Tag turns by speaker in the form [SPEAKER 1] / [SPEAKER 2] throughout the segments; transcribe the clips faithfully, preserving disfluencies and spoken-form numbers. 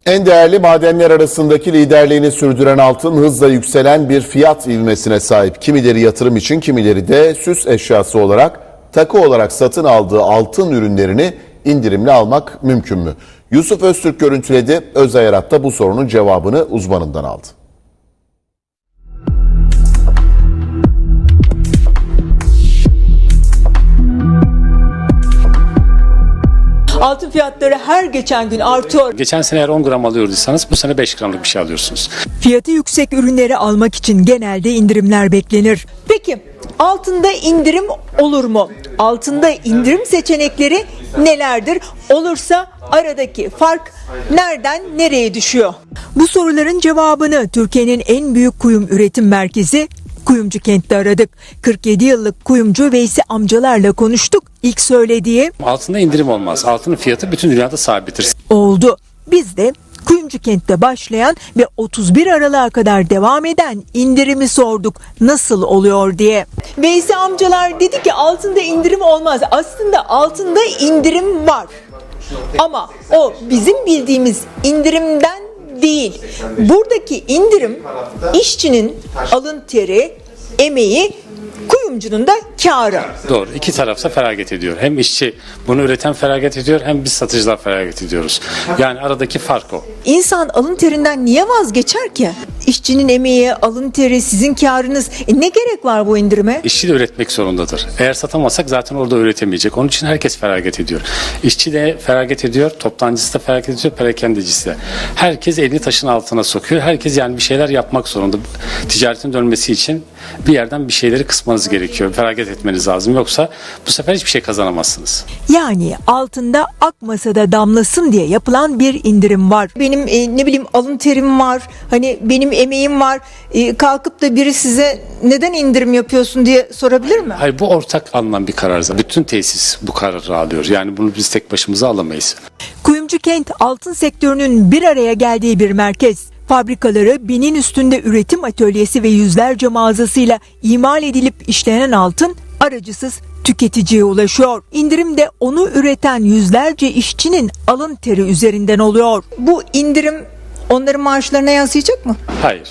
[SPEAKER 1] En değerli madenler arasındaki liderliğini sürdüren altın hızla yükselen bir fiyat ivmesine sahip. Kimileri yatırım için, kimileri de süs eşyası olarak, takı olarak satın aldığı altın ürünlerini indirimli almak mümkün mü? Yusuf Öztürk görüntüledi. Özay Arat da bu sorunun cevabını uzmanından aldı.
[SPEAKER 2] Altın fiyatları her geçen gün artıyor.
[SPEAKER 3] Geçen sene eğer on gram alıyorduysanız bu sene beş gramlık bir şey alıyorsunuz.
[SPEAKER 4] Fiyatı yüksek ürünleri almak için genelde indirimler beklenir.
[SPEAKER 2] Peki altında indirim olur mu? Altında indirim seçenekleri nelerdir? Olursa aradaki fark nereden nereye düşüyor?
[SPEAKER 4] Bu soruların cevabını Türkiye'nin en büyük kuyum üretim merkezi Kuyumcukent'te aradık. kırk yedi yıllık kuyumcu Veysi amcalarla konuştuk. İlk söylediği
[SPEAKER 3] Altında indirim olmaz. Altının fiyatı bütün dünyada sabittir.
[SPEAKER 4] oldu. Biz de Kuyumcukent'te başlayan ve otuz bir Aralık'a kadar devam eden indirimi sorduk. Nasıl oluyor diye.
[SPEAKER 2] Veysi amcalar dedi ki altında indirim olmaz. Aslında altında indirim var. Ama o bizim bildiğimiz indirimden değil. Buradaki indirim işçinin alın teri, emeği, kuyumcunun da kârı.
[SPEAKER 3] Doğru. İki tarafta feragat ediyor. Hem işçi bunu üreten feragat ediyor, hem biz satıcılar feragat ediyoruz. Yani aradaki fark o.
[SPEAKER 2] İnsan alın terinden niye vazgeçer ki? İşçinin emeği, alın teri, sizin kârınız. E ne gerek var bu indirime?
[SPEAKER 3] İşçi de üretmek zorundadır. Eğer satamazsak zaten orada üretemeyecek. Onun için herkes feragat ediyor. İşçi de feragat ediyor, toptancısı da feragat ediyor, perakendecisi de. Herkes elini taşın altına sokuyor. Herkes yani bir şeyler yapmak zorunda. Ticaretin dönmesi için bir yerden bir şeyleri kısmanız gerekiyor. Feragat etmeniz lazım. Yoksa bu sefer hiçbir şey kazanamazsınız.
[SPEAKER 4] Yani altında akmasa da damlasın diye yapılan bir indirim var.
[SPEAKER 2] Benim e, ne bileyim alın terim var. Hani benim emeğim var. E, kalkıp da biri size neden indirim yapıyorsun diye sorabilir mi?
[SPEAKER 3] Hayır, bu ortak alınan bir karar. Bütün tesis bu kararı alıyor. Yani bunu biz tek başımıza alamayız.
[SPEAKER 4] Kuyumcukent altın sektörünün bir araya geldiği bir merkez. Fabrikaları, binin üstünde üretim atölyesi ve yüzlerce mağazasıyla imal edilip işlenen altın aracısız tüketiciye ulaşıyor. İndirim de onu üreten yüzlerce işçinin alın teri üzerinden oluyor.
[SPEAKER 2] Bu indirim onların maaşlarına yansıyacak mı?
[SPEAKER 3] Hayır.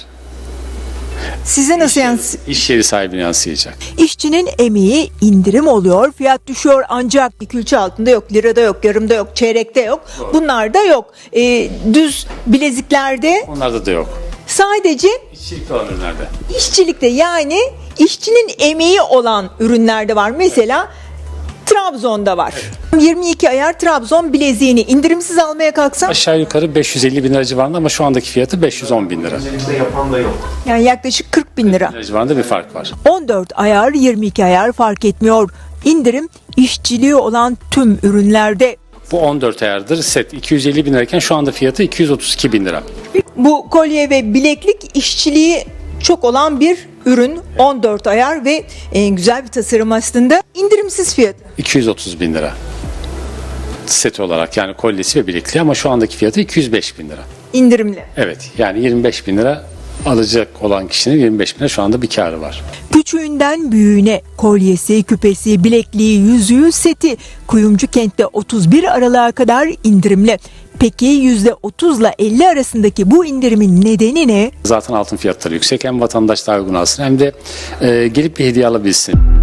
[SPEAKER 2] Size nasıl yansıyacak?
[SPEAKER 3] İş yeri sahibine yansıyacak.
[SPEAKER 4] İşçinin emeği indirim oluyor, fiyat düşüyor ancak
[SPEAKER 2] Külçe altında yok, lirada yok, yarımda yok, çeyrekte yok. Bunlar da yok. E, düz bileziklerde
[SPEAKER 3] Onlarda da yok.
[SPEAKER 2] sadece
[SPEAKER 3] İşçilikte olan ürünlerde.
[SPEAKER 2] işçilikte, yani işçinin emeği olan ürünlerde var. Mesela Trabzon'da var. yirmi iki ayar Trabzon bileziğini indirimsiz almaya kalksam
[SPEAKER 3] Aşağı yukarı beş yüz elli bin lira civarında ama şu andaki fiyatı beş yüz on bin lira.
[SPEAKER 2] yani yaklaşık kırk bin lira.
[SPEAKER 3] Lira civarında bir fark var.
[SPEAKER 4] on dört ayar, yirmi iki ayar fark etmiyor. İndirim işçiliği olan tüm ürünlerde.
[SPEAKER 3] Bu on dört ayardır. Set iki yüz elli bin lirayken şu anda fiyatı iki yüz otuz iki bin lira.
[SPEAKER 2] Bu kolye ve bileklik işçiliği çok olan bir ürün. on dört ayar ve e, güzel bir tasarım aslında. İndirimsiz fiyat.
[SPEAKER 3] iki yüz otuz bin lira. Set olarak, yani kolyesi ve bilekliği, ama şu andaki fiyatı iki yüz beş bin lira.
[SPEAKER 2] İndirimli.
[SPEAKER 3] Evet, yani yirmi beş bin lira alacak olan kişinin yirmi beş bin lira şu anda bir karı var.
[SPEAKER 4] Küçüğünden büyüğüne kolyesi, küpesi, bilekliği, yüzüğü, seti Kuyumcukent'te otuz bir Aralık'a kadar indirimli. Peki yüzde otuz ile elli arasındaki bu indirimin nedeni ne?
[SPEAKER 3] Zaten altın fiyatları yüksek. Hem vatandaş daha uygun alsın, hem de e, gelip bir hediye alabilsin.